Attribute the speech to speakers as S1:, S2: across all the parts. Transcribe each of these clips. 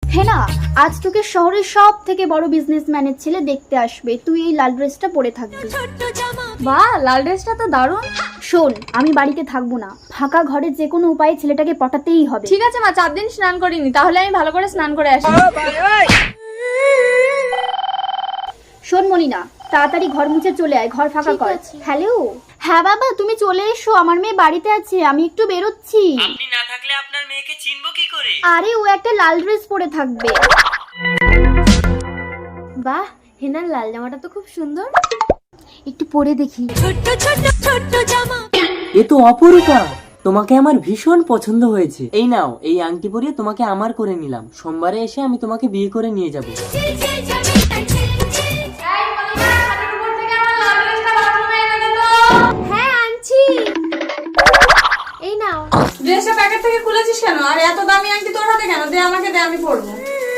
S1: হেনা, আজ তোকে শহরের সব থেকে বড় বিজনেসম্যানের ছেলে দেখতে আসবে। তুই এই লাল ড্রেসটা পরে থাকবি।
S2: বাহ, লাল ড্রেসটা তো দারুণ।
S1: শোন, আমি বাড়িতে থাকবো না, ফাঁকা ঘরে যে কোনো উপায়ে ছেলেটাকে পটাতেই হবে।
S2: ঠিক আছে মা, 4 দিন স্নান করিনি, তাহলে আমি ভালো করে স্নান করে আসি।
S1: শোন মলিনা, তাড়াতাড়ি ঘর মুছে চলে আয়, ঘর ফাঁকা কর। হ্যালো। হ্যাঁ বাবা, তুমি চলে এসো, আমার মেয়ে বাড়িতে আছে, আমি একটু বেরোচ্ছি।
S3: আপনি না থাকলে আপনার মেয়েকে চিনবো কি করে?
S1: আরে ও একটা লাল ড্রেস পরে থাকবে।
S2: বাহ, হেনার লাল জামাটা তো খুব সুন্দর।
S1: একটু পরে দেখি।
S3: এ তো অপরূপা, তোমাকে আমার ভীষণ পছন্দ হয়েছে। এই নাও, এই আংটি পরিয়ে তোমাকে আমার করে নিলাম। সোমবারে এসে আমি তোমাকে বিয়ে করে নিয়ে যাব।
S2: হ্যাঁ, আনছি। এই নাও।
S4: ড্রেসটা প্যাকেট থেকে খুলেছিস কেন? আর এত দামি আংটি তোর হাতে কেন? দে আমাকে, দে, আমি পরবো।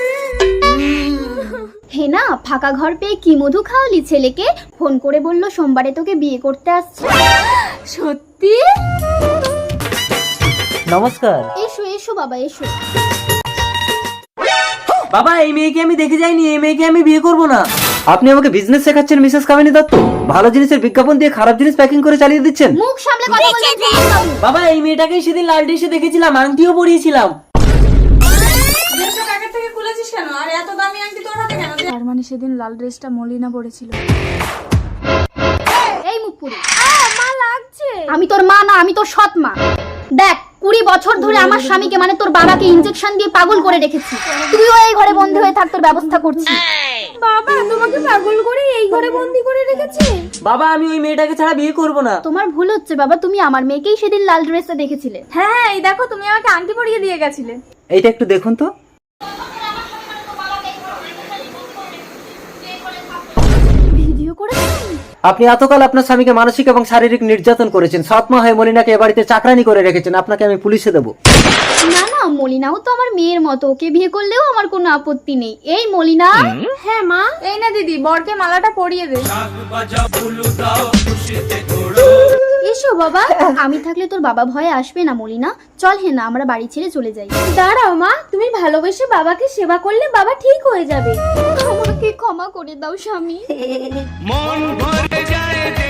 S1: হেনা, ফাঁকা ঘর পেয়ে কি মধু খাওয়ালি ছেলেকে? ফোন করে বললো সোমবারে তোকে বিয়ে করতে আসছে।
S2: সত্যি?
S3: নমস্কার।
S1: এসো এসো বাবা, এসো।
S3: বাবা, এই মেয়েকে আমি দেখে যাইনি, এই মেয়েকে আমি বিয়ে করব না।
S5: আপনি আমাকে বিজনেস শেখাচ্ছেন মিসেস কামিনী দত্ত? ভালো জিনিসের বিজ্ঞাপন দিয়ে খারাপ জিনিস প্যাকিং করে চালিয়ে দিচ্ছেন।
S1: মুখ সামলে কথা বলবেন।
S3: বাবা, এই মেয়েটাকে সেদিন লাল ড্রেসে দেখেছিলাম, আংটিও পরিয়েছিলাম।
S4: ড্রেসটা প্যাকেট থেকে খুলেছিস কেন? আর এত দামি আংটি তোর হাতে কেন?
S2: তার মানে সেদিন লাল ড্রেসটা মলিনা পরেছিল।
S1: এই মুখ পুরি।
S2: মা, লাগছে।
S1: আমি তোর মা না, আমি তোর সৎ মা। দেখ, 20 বছর ধরে আমার স্বামীকে মানে তোর বাবাকে ইনজেকশন দিয়ে পাগল করে রেখেছি। তুইও এই ঘরে বন্ধ হয়ে থাক, তোর ব্যবস্থা করছি।
S2: বাবা, তোমাকে পাগল করে এই ঘরে বন্দি করে রেখেছে?
S3: বাবা, আমি ওই মেয়েটাকে ছাড়া বিয়ে করব না।
S1: তোমার ভুল হচ্ছে বাবা, তুমি আমার মেয়েকেই সেদিন লাল ড্রেসে দেখেছিলে।
S2: হ্যাঁ, এই দেখো, তুমি আমাকে আংটি পরিয়ে দিয়ে গেছিলে।
S5: এইটা একটু দেখুন তো।
S1: ভিডিও করেছেন?
S5: আপনি এতকাল আপনার স্বামীকে মানসিক এবং শারীরিক নির্যাতন করেছেন। সৎমা হয়ে মলিনাকে এ বাড়িতে চাকরানি করে রেখেছেন। আপনাকে আমি পুলিশে দেবো।
S1: না না, মলিনাও তো আমার মেয়ের মতো, ওকে বিয়ে করলেও আমার কোনো আপত্তি নেই। এই মলিনা।
S2: হ্যাঁ মা। এই না দিদি, বরকে মালাটা পরিয়ে দে।
S1: এসো বাবা, আমি থাকলে তোর বাবা ভয়ে আসবে না মলিনা। চল হেনা, আমরা বাড়ি ছেড়ে চলে যাই।
S2: দাঁড়াও মা, তুমি ভালোবেসে বাবাকে সেবা করলে বাবা ঠিক হয়ে যাবে।
S1: আমাকে ক্ষমা করে দাও স্বামী।
S6: মন ভরে যায়